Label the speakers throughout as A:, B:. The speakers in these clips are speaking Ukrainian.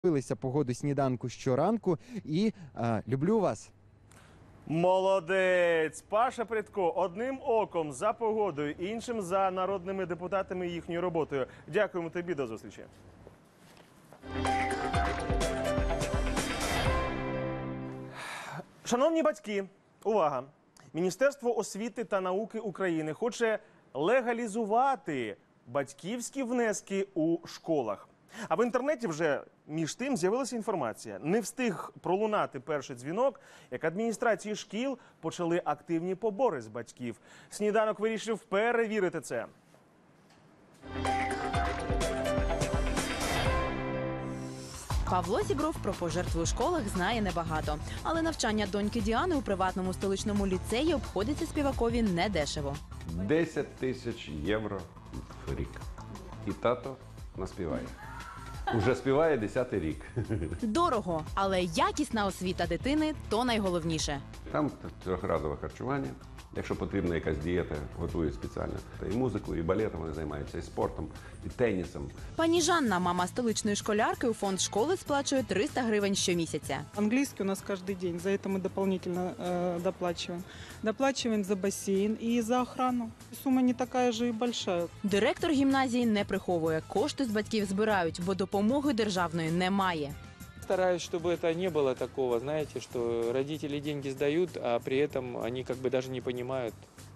A: Дивилися погоду сніданку щоранку і люблю вас.
B: Молодець! Паша Прядко одним оком за погодою, іншим за народними депутатами і їхньою роботою. Дякуємо тобі, до зустрічі. Шановні батьки, увага! Міністерство освіти та науки України хоче легалізувати батьківські внески у школах. А в інтернеті вже між тим з'явилася інформація. Не встиг пролунати перший дзвінок, як адміністрації шкіл почали активні побори з батьків. Сніданок вирішив перевірити це.
C: Павло Зібров про пожертви у школах знає небагато. Але навчання доньки Діани у приватному столичному ліцеї обходиться співакові недешево.
D: 10 тисяч євро в рік. І тато наспіває. Уже співає 10-й рік.
C: Дорого, але якісна освіта дитини – то найголовніше.
D: Там трьохразове харчування. Якщо потрібна якась дієта, готують спеціально. Та і музикою, і балетом вони займаються, і спортом, і тенісом.
C: Пані Жанна, мама столичної школярки, у фонд школи сплачує 300 гривень щомісяця.
E: Английский у нас каждый день, за это мы дополнительно доплачиваем. Доплачиваем за бассейн и за охрану. Сумма не такая же и большая.
C: Директор гімназії не приховує. Кошти з батьків збирають, бо допомоги державної немає.
F: Стараюсь, чтобы это не было такого, знаете, что родители деньги сдают, а при этом они как бы даже не понимают,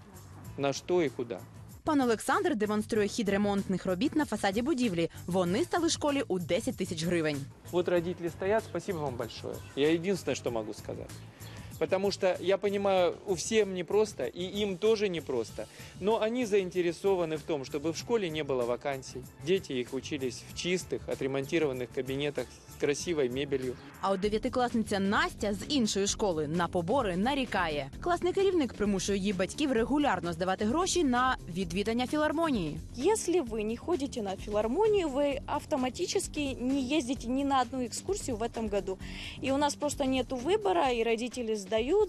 F: на что и куда.
C: Пан Олександр демонструє хід ремонтних робіт на фасаді будівлі. Вони стали школі у 10 тисяч гривень.
F: Вот родители стоят, спасибо вам большое. Я единственное, что могу сказать. Потому что я понимаю, у всем непросто, и им тоже непросто. Но они заинтересованы в том, чтобы в школе не было вакансий. Дети их учились в чистых, отремонтированных кабинетах с красивой мебелью.
C: А от дев'ятикласниця Настя з іншої школи на побори нарікає. Класний керівник примушує її батьків регулярно здавати гроші на відвідання філармонії.
G: Если вы не ходите на филармонию, вы автоматически не ездите ни на одну экскурсию в этом году. И у нас просто нет выбора, и родители сдают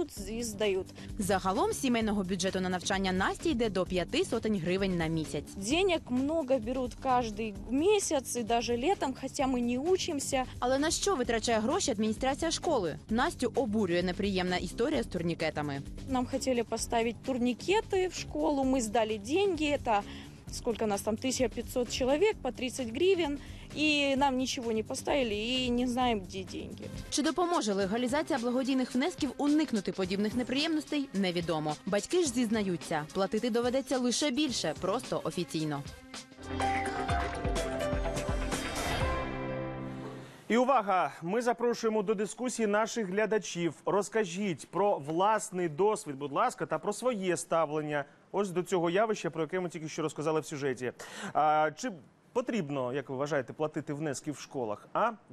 G: и сдают.
C: Загалом з сімейного бюджету на навчання Насті йде до 500 гривень на місяць.
G: Денег много берут каждый месяц и даже летом, хотя мы не учимся.
C: Але на що витрачає гроші адміністрація школи? Настю обурює неприємна історія з турнікетами.
G: Нам хотели поставить турникеты в школу, мы сдали деньги, это сколько нас там, 1500 человек по 30 гривен, и нам ничего не поставили, и не знаем, где деньги.
C: Чи допоможе легалізація благодійних внесків уникнути подібних неприємностей, невідомо. Батьки ж зізнаються, платити доведеться лише більше, просто офіційно.
B: І увага! Ми запрошуємо до дискусії наших глядачів. Розкажіть про власний досвід, будь ласка, та про своє ставлення ось до цього явища, про яке ми тільки що розказали в сюжеті. Чи потрібно, як ви вважаєте, платити внески в школах?